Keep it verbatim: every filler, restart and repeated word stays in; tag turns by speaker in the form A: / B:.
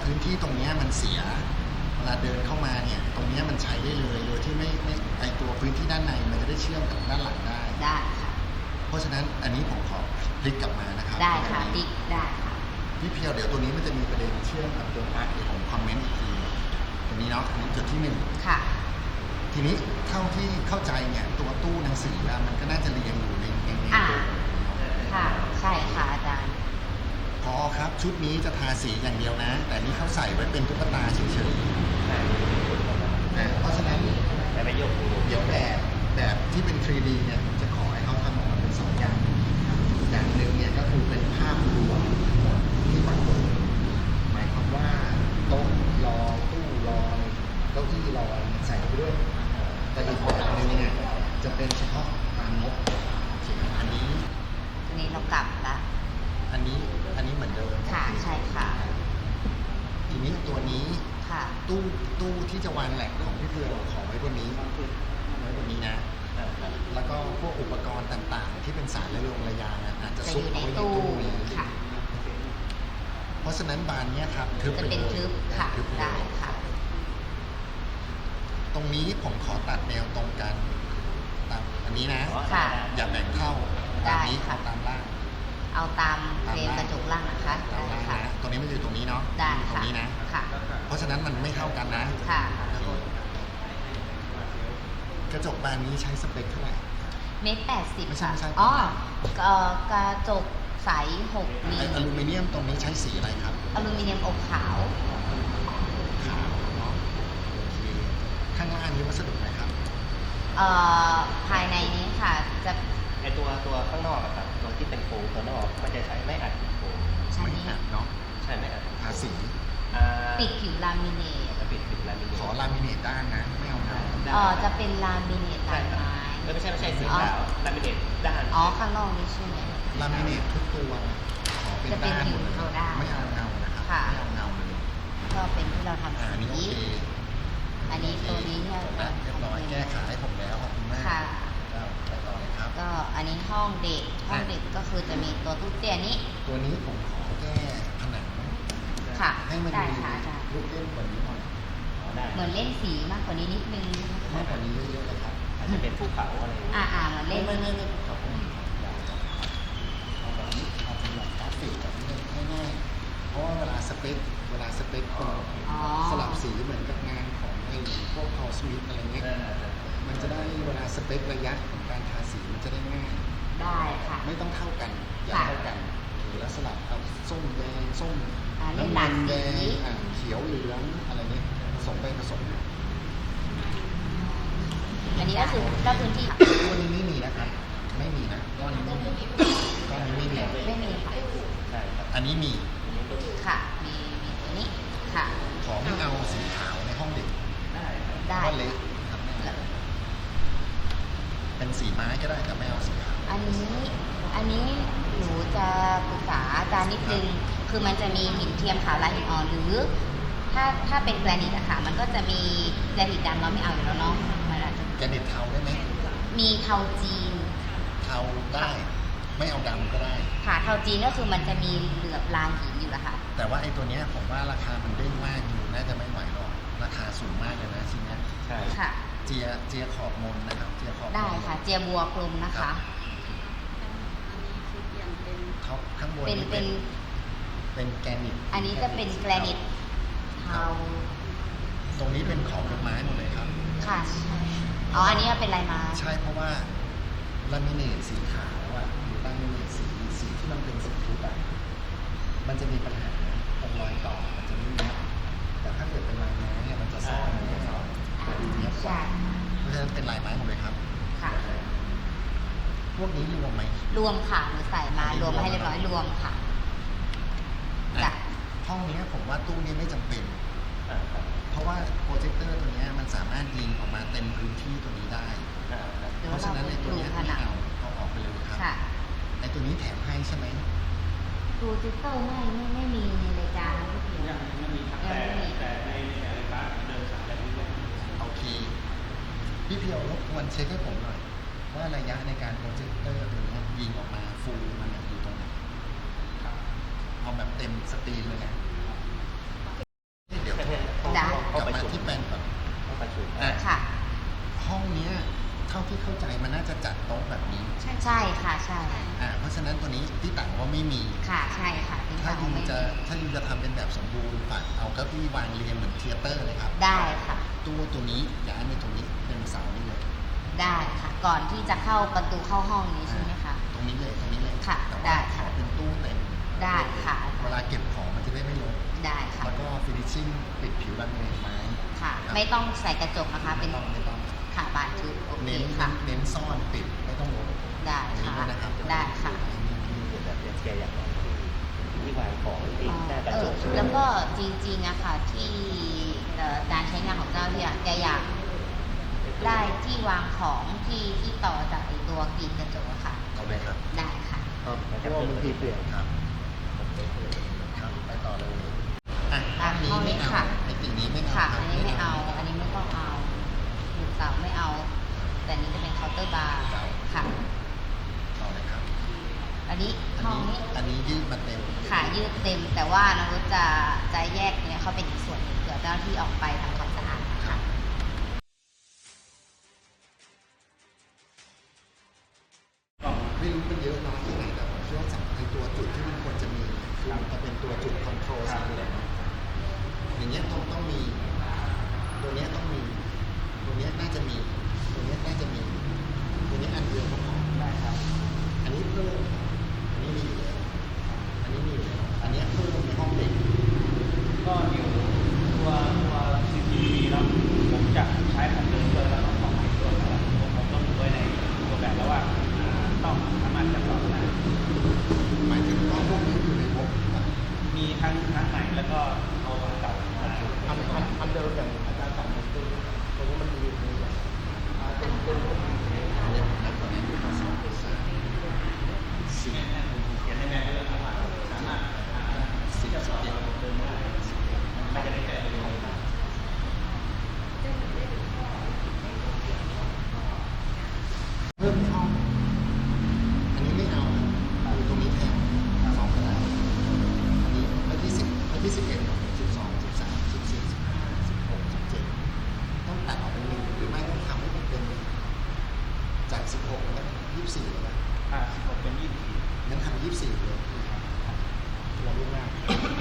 A: พื้นที่ตรงนี้มันเสียเวลาเดินเข้ามาเนี่ยตรงนี้มันใช้ได้เลยโดยที่ไม่ไม่ไอตัวพื้นที่ด้านในมันจะได้เชื่อมกับด้านหลังได้
B: ได้ค่ะ
A: เพราะฉะนั้นอันนี้ผมขอพลิกกลับมานะครับ
B: ได้ค่ะพลิกได้ค่ะ
A: พี่เพียวเดี๋ยวตัวนี้มันจะมีประเด็นเชื่อมกับตัวพาร์ทเดี๋ยวผมคอมเมนต์อีกทีตรงนี้เนาะอันนี้จุดที่หนึ่ง
B: ค่ะ
A: ทีนี้เท่าที่เข้าใจเนี่ยตัวตู้หนังสือมันก็น่าจะเรียงอยู่ในในในตัว
B: ค่ะใช่ค่ะอาจารย์
A: พอครับชุดนี้จะทาสีอย่างเดียวนะแต่นี่เขาใส่ไว้เป็นตุ๊กตาเฉยๆเพราะฉะนั้นเดี๋ยวแบบแบบที่เป็น ทรี ดี เนี่ยผมจะขอให้เขาทำออกมาเป็นสองอย่างอย่างหนึ่งเนี่ยก็คือเป็นภาพรวมที่ปรากฏหมายความว่าโต๊ะรอตู้รอเก้าอี้รอใส่ไปด้วยแต่อีกแบบหนึ่งเนี่ยจะเป็นเฉพาะตามงบอันนี้
B: อันนี้เรากลับละ
A: อันนี้อันนี้เหมือนเดิม
B: ค่ะใช่ค่ะ
A: ทีนี้ตัวนี้
B: ค่ะ
A: ตู้ตู้ที่จะวางแหลกของพี่เพื่อขอไว้บนนี้ไว้บนนี้นะแล้วก็พวกอุปกรณ์ต่างๆที่เป็นสายระยงระยางอาจจะซุกไว้ในตู้นี้
B: ค่ะ
A: เพราะฉะนั้นบานนี้ครับทึบ
B: จะเป็นทึบค่ะได้ค่ะ
A: ตรงนี้ผมขอตัดแนวตรงกันตามอันนี้นะอย่าแบ่งเข้าตามนี้ตามล่าง
B: เอาตามเฟรมกระจกล่างนะคะได้ค่ะ
A: ตรงนี้มันอยู่ตรงนี้เนาะ
B: ได้
A: ตรงนี้นะ
B: ค่ะ
A: เพราะฉะนั้นมันไม่เท่ากันนะ
B: ค่ะ
A: กระจกบานนี้ใช้สเปคเท่าไหร่
B: เมตรแปดสิบ
A: ไม่ใช่ไม่ใช่
B: อ๋อกระจกใสหกมิล
A: อลูมิเนียมตรงนี้ใช้สีอะไรครับ
B: อลูมิเนียมอบขาว
A: ขาวเนาะโอเคข้างล่างนี้วัสดุอะไรครับ
B: เอ่อภายในนี้ค่ะจะ
C: ไอตัวตัวข้างนอกอะครับตัวที่เป็นโฟมตัวนอกมันจะใช้ไม่อัดโฟม
A: ไม่อัดเนาะ
C: ใช่ไม่อัด
A: ทาสี
B: ปิดผิวลามิเนต
C: ปิดผิวลามิเนต
A: ขอลามิเนตด้านนะไม่เอาเงา
B: เออจะเป็นลามิเนตลายไม้
C: ไม่ใช่ไม่ใช่สีขาวลามิเนตด้าน
B: อ๋อข้างนอกนี่ใช่ไหม
A: ลามิเนตทุกตัวขอเป็นด้านหมดเลยไม่เอาเงานะครับไม่เอาเงาเลย
B: ก็เป็นที่เราทำ
A: อันนี้โอเค
B: อันนี้ตัวนี้เนี่ย
A: เรียบร้อยแก้ไขให้ผมแล้วขอบคุณมาก
B: ค่ะ
A: ไปต่อเลยครับ
B: ก็อันนี้ห้องเด็กห้องเด็กก็คือจะมีตัวตู้เตี้ยนี้
A: ตัวนี้ผมขอแก้ผนัง
B: ค่ะ
A: ให้มันดูลูกเล่นกว่านี้หน่อย
B: เหมือนเล่นสีมากกว่านี้นิดนึง
A: มากกว่านี้เยอะๆเลยครับ
C: อาจจะเป็นภูเขาอะไร
B: อ่าอ่าเล่น
A: ไม่ไม่ไม่ภูเขาเอาแบบนี้เอาสำหรับกราฟิกแบบนี้ง่ายๆเพราะว่าเวลาสเปคเวลาสเปคสลับสีเหมือนกับงานของไอ้พวกคอสมิธอะไรเงี้ยมันจะได้เวลาสเปคระยะของการทาสีมันจะได้ง่าย
B: ได้ค่ะ
A: ไม่ต้องเท่ากันอย่าเท่ากันแล้วสลับเอาส้มแดงส้ม
B: น้ำมัน
A: แดงเขียวเหลืองอะไรเงี้ยผสมไปผสม
B: อันนี้ก็คือก็พื้นที่
A: ตัวนี้ไม่มีนะครับไม่มีนะก้อนนี้ไม่มีก้อนนี้ไม่มี
B: ไม่มีค่ะ
C: ใช่ครับ
A: อันนี้มี
B: ค่ะมีมีตัวนี้ค่ะ
A: ขอไม่เอาสีขาวในห้องเด็ก
C: ได้
B: ได้
A: ก็เล็กครับเป็นสีไม้ก็ได้แต่ไม่เอาสีขาว
B: อันนี้อันนี้หนูจะปรึกษาอาจารย์นิดนึงคือมันจะมีหินเทียมขาวลายหินอ่อนหรือถ้าถ้าเป็นแกรนิตอะค่ะมันก็จะมีแกรนิตดำเราไม่เอาอยู่แล้วเนาะมันอาจจะ
A: แกรนิตเทาได้ไหม
B: มีเทาจีน
A: เทาได้ไม่เอาดำก็ได้
B: ค่ะเทาจีนก็คือมันจะมีเหลือบลางหินอยู่ละค่ะ
A: แต่ว่าไอ้ตัวเนี้ยผมว่าราคามันเด้งมากอยู่น่าจะไม่ไหวหรอกราคาสูงมากเลยนะชิ้นนี้
C: ใช่
B: ค่ะ
A: เจียเจียขอบมนนะครับเจียขอบ
B: ได้ค่ะเจียบัวกลมนะคะ
A: ท็อปข้างบน
B: เป็นเป็น
A: เป็นแกรนิต
B: อันนี้จะเป็นแกรนิตเทา
A: ตรงนี้เป็นขอบไม้หมดเลยครับ
B: ค่ะอ๋ออันนี้เป็นลายไม้
A: ใช่เพราะว่าลามิเนตสีขาวอะหรือลามิเนตสีสีที่มันเป็นสีทุบอะมันจะมีปัญหาตรงรอยต่อมันจะไม่เนี้ยแต่ถ้าเกิดเป็นลายไม้เนี่ยมันจะซ่อนมันจะซ่อนจะดูเนี้ยกว่าเพราะฉะนั้นเป็นลายไม้หมดเลยครับ
B: ค่ะ
A: พวกนี้รวมไหม
B: รวมค่ะหนูใส่มารวมมาให้เรียบร้อยรวมค่ะ
A: ห้องนี้ผมว่าตู้นี้ไม่จำเป็นเพราะว่าโปรเจคเตอร์ตัวนี้มันสามารถยิงออกมาเต็มพื้นที่ตัวนี้ได้เพราะฉะนั้นในตัวนี้ไม่เอาเอาออกไปเลยครับไอตัวนี้แถมให้ใช่ไหม
B: โปรเจคเตอร์ไม่ไม่ไม่มีในรายการ
C: ยังไม่มีครับแต่แต่ในในรายการเดินสายแบบนี้
A: โอเคพี่เพียวรบกวนเช็คให้ผมหน่อยว่าระยะในการโปรเจคเตอร์ตัวนี้ยิงออกมาฟูลมันอยู่ตรงไหนเอาแบบเต็มสตรีมเลยนะ
B: ช่
A: อ่าเพราะฉะนั้นตัวนี้ที่ต่างว่าไม่มี
B: ค่ะใช่ค่ะที่
A: ถ้า
B: เขา
A: ยู
B: ไม่
A: จะถ้ายูจะทำเป็นแบบสมบูรณ์ฝากเอาเก้าอี้วางเรียงเหมือนเทยเตอร์เลยครับ
B: ได้ค่ะ
A: ตู้ตัวนี้ย้ายมาตรงนี้เป็นเสานี่เลย
B: ได้ค่ะ ก่อนที่จะเข้าประตูเข้าห้องนี้ใช่ไหมคะ
A: ตรงนี้เลยตรงนี้เลย
B: ค่ะ
A: แต่
B: ได้
A: ว่าข
B: ค่ะ
A: อเป็นตู้เต็ม
B: ได้ค่ะ
A: เวลาเก็บของมันจะได้ไม่ลก
B: ได้ค่ะ
A: แล้วก็ฟินิชชิ่งปิดผิวรันเวย์ไม้
B: ค่ะ
A: ครับ
B: ไม่ต้องใส่กระจกนะคะ
A: ไม่
B: เป็น
A: ต้องไม่ต้อง
B: ค่ะบานทึบโอเค
A: เน้น
B: ค่ะ
A: เน้นซ่อนปิดไม่ต้องลบ
B: ได้
A: อันนี้
B: ค่ะ
A: ด้วยนะครับ
B: ได้ค่ะ
C: ที่เกิดแบบเนี้ยแกอยากได้ที่ที่วางของติดหน้ากระ
B: เอ
C: จ
B: อก
C: ใช่ไหม
B: แล้วก็จริงๆอะค่ะที่เอ่อการใช้งานของเจ้าที่อะแกอยากได้ที่วางของที่ที่ต่อจากไอตัวกรีดกระจกอะค่ะ
A: เอาเลยครับ
B: ได้ค่ะ
A: ครับเพราะว่าบางทีเปลี่ยนครับครับไปต่อเลยอ่ะ
B: อ่ะ
A: นี้
B: ห้องนี้
A: ไม่เอา
B: ค่ะ
A: ไอ้สิ่งนี้ไม่เอา
B: ค่ะ
A: ครับ
B: อันนี้ไม่เอา อันนี้ไม่ต้องเอาหมุดเสาไม่เอา แต่อันนี้จะเป็นเคาน์เตอร์บาร์ค่ะ
A: ต่อเลยครับ
B: อันนี้
A: อัน
B: ห้อง
A: นี้
B: นี้
A: อันนี้ยืดมาเต็ม
B: ขายืดเต็ม แต่ว่าน้องรุ้จะจะแยกเนี่ยเขาเป็นอีกส่วนหนึ่งเผื่อเจ้าหน้าที่ออกไปทำความสะอาดนะคะ
A: ไม่รู้เป็นเยอะน้อยที่ไหนแต่ผมเชื่อว่าจากในตัวจุดที่มันควรจะมีคือมันจะเป็นตัวจุดคอนโทรลสีเหลืองอย่างเงี้ยต้องต้องมี ตัวเนี้ยต้องมี ตัวเนี้ยน่าจะมี ตัวเนี้ยน่าจะมี ตัวนี้อันเดียวก็พอได้ครับ อันนี้เพิ่มอันนี้มีอยู่แล้วอันนี้มีอยู่แล้วอันเนี้ยเพิ่มในห้องเด็ก
D: ก็เดี๋ยวตัวตัว ซี ซี ที วี เนาะผมจะใช้ของเดิมด้วยแล้วก็ของใหม่ด้วยนะครับผมผมต้องดูไว้ในตัวแบบแล้วว่าอ่าต้องสามารถจะต่อได้
A: หมายถึงว่าพวกนี้อยู่ในงบอ่ะ
D: มีทั้งทั้งใหม่แล้วก็เอาของเก่ามา
A: อันอันอันเดิมอย่างอาจารย์สั่งมันคือตรงนี้มันมีอยู่ในแบบอ่าเป็นเป็นอันเนี้ยผมนับตัวนี้อยู่ที่สองสามสี่
D: เขียนในแบบเลยครับว่าสามารถอ่า
A: สิบสิบเอ็ด
D: เดิมได้ไม่จะได้แก้เลย
A: เพิ่มห้อง อันนี้ไม่เอาเอาตรงนี้แทนสองก็ได้อันนี้ไปที่สิบไปที่สิบเอ็ดสิบสองสิบสามสิบสี่สิบห้าสิบหกสิบเจ็ดต้องตัดออกเป็นหนึ่งหรือไม่ต้องทำให้มันเป็นจากสิบหกแล้วยี่สิบสี่เลยนะ
D: อ่าสิบหกเป็นยี่สิบสี่
A: งั้นทำยี่สิบสี่เลยเราลูกหน้า